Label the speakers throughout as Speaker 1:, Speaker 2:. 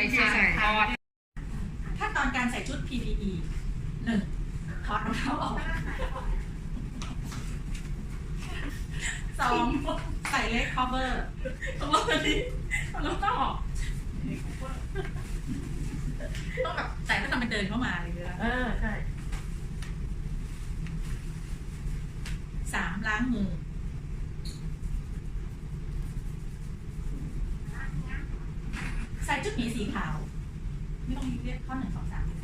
Speaker 1: ใส่ถอด
Speaker 2: ขั้นตอนการใส่ชุด PPE 1. ถอดรองเท้าออก 2. ใส่เล็ก cover ต้องรองเท้าออกต้องแบบใส่แล้วทำเป็นเดินเข้ามาเลยนะ
Speaker 1: ใช่
Speaker 2: 3. ล้างมือ ใส่ชุดหมีสีขาว ไม่ต้องเรียกข้อ1 2 3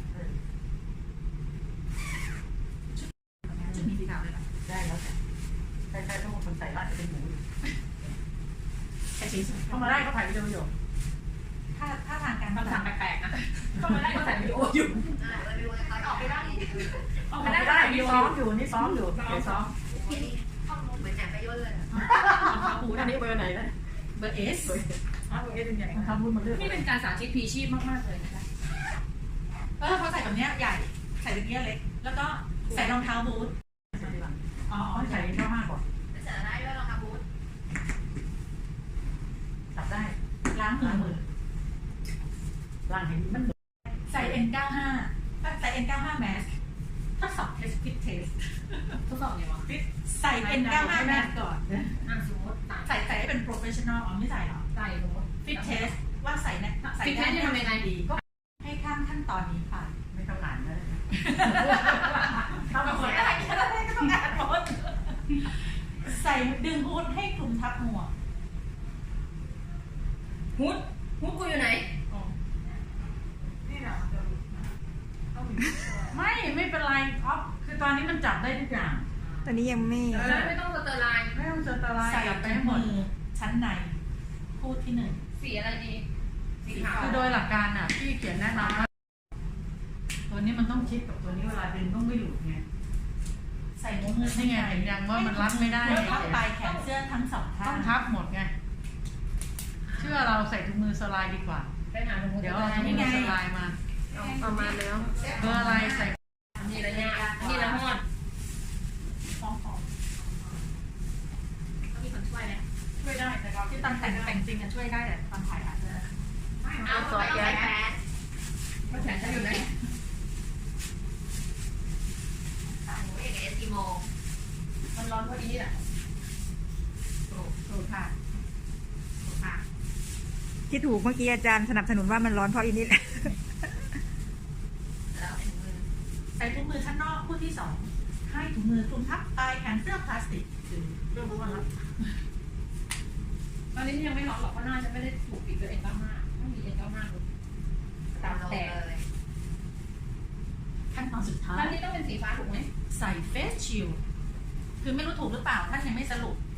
Speaker 2: ชุดหมีสีขาวเลยนะ
Speaker 1: ได้แล้วแต่ใช่ต้องคนใส่อาจจะเป็นหมู
Speaker 2: แต่สีสวย
Speaker 1: เข้ามาได้เขาถ่ายวิดีโออยู่
Speaker 2: ถ้าทางการ
Speaker 1: คำสั่งแปลกๆนะเข้ามาได้เขาถ่ายวิดีโออยู่
Speaker 3: ออกไปได้
Speaker 1: ออกไม่ได้มีซ้อมอยู่นี่ซ้อมอยู่เดี๋ยวซ้อม
Speaker 3: เหมือนแอบไปย่นเลย
Speaker 1: อันนี้เบอร์ไหนนะ
Speaker 2: เบอร์ S
Speaker 1: เบอร์ S เป็นใหญ่ทำรุ่นมาเรื่อย
Speaker 4: นี่เป็นการสาธิตพีชีพมากๆเลยนะคะ
Speaker 2: เขาใส่แบบนี้ใหญ่ใส่แบบนี้เล็กแล้วก็ใส่รองเท้าบูท
Speaker 1: ใส่เข้าห้าก่อน
Speaker 3: ใส่ได้ด้วยรองเท้าบูท
Speaker 1: จับได้
Speaker 2: ล้างมือ
Speaker 1: ล้างเห็นมัน
Speaker 2: ใส่ N95 ใส่ N95 mask ทดสอบ test fit test
Speaker 4: ทดสอบไงวะ
Speaker 2: ใส่ N95 mask ก่อน
Speaker 4: สมมติ
Speaker 2: ใส่ให้เป็น professional ไม่ใส่หรอ
Speaker 4: ใส่สมมติ
Speaker 2: fit test ว่าใส่
Speaker 4: fit test จะทำยังไงดี
Speaker 2: ก็ให้ข้ามขั้นตอนนี้ผ่าน
Speaker 1: ไม่ต้องอ่านเลย
Speaker 2: ทำหมดอะไรก็ต้องอ่านหมดใส่ดึงฮูดให้คลุมทับหัว
Speaker 4: ฮูดกูอยู่ไหน
Speaker 1: ไม่เป็นไรครับคือตอนนี้มันจับได้ทุกอย่าง
Speaker 5: ตอนนี้ยังไม่
Speaker 4: ต้องสเตอร์ไลน์
Speaker 1: ไม่ต้องสเตอร์ไลน์
Speaker 2: ใส่ไปหมดชั้นในพูดที่1
Speaker 4: สีอะไรดี
Speaker 1: สีขาวคือโดยหลักการอ่ะที่เขียนแนะนำว่าตัวนี้มันต้องชิดกับตัวนี้เวลาดึงต้องไม่หลุดไง
Speaker 2: ใส่มือ
Speaker 1: นี่ไงเห็นยังว่ามันรัดไม่ได้
Speaker 2: ทับปลายแขนเสื้อทั้ง2ข้าง
Speaker 1: ต้องทับหมดไงเชื่อเราใส่ถุงมือสลายดีกว่าเดี๋ยวเราถุงมือสลายมา
Speaker 5: เอามาแล้ว
Speaker 1: เบอร์อะไรใส่
Speaker 4: นี่ละเนี่ยนี่ละฮอด
Speaker 3: มีคนช่วยไหม
Speaker 2: ช่วยได้แต่เราที่ตอนแต่งจริงอะช่วยได้แต่ตอนถ่ายอาจจะ
Speaker 3: เอาซอยแก๊ส
Speaker 4: มาแขนจะอยู่ไหน
Speaker 3: หนูเอกเอสกิโม
Speaker 4: มันร้อนพอดีแหละ
Speaker 2: ถูกค่ะ
Speaker 5: ที่ถูกเมื่อกี้อาจารย์สนับสนุนว่ามันร้อนเพราะอีนี่แหละ
Speaker 2: ใส่ถุงมือชั้นนอกคู่ที่2ให้ถุงมือคลุมทับปลายแขนเสื้อพลาสติก
Speaker 1: เรื่องว่ารับ
Speaker 4: ตอนนี้ยังไม่ร้อนหรอกเพราะหน้าจะไม่ได้ถูกปิดด้วยN95ต้องมี N95ตามแต่
Speaker 2: ขั้นตอนสุดท้าย
Speaker 4: ท่านนี้ต้องเป็นสีฟ้าถูกไหม
Speaker 2: ใส่เฟสชิลคือไม่รู้ถูกหรือเปล่าท่านยังไม่สรุป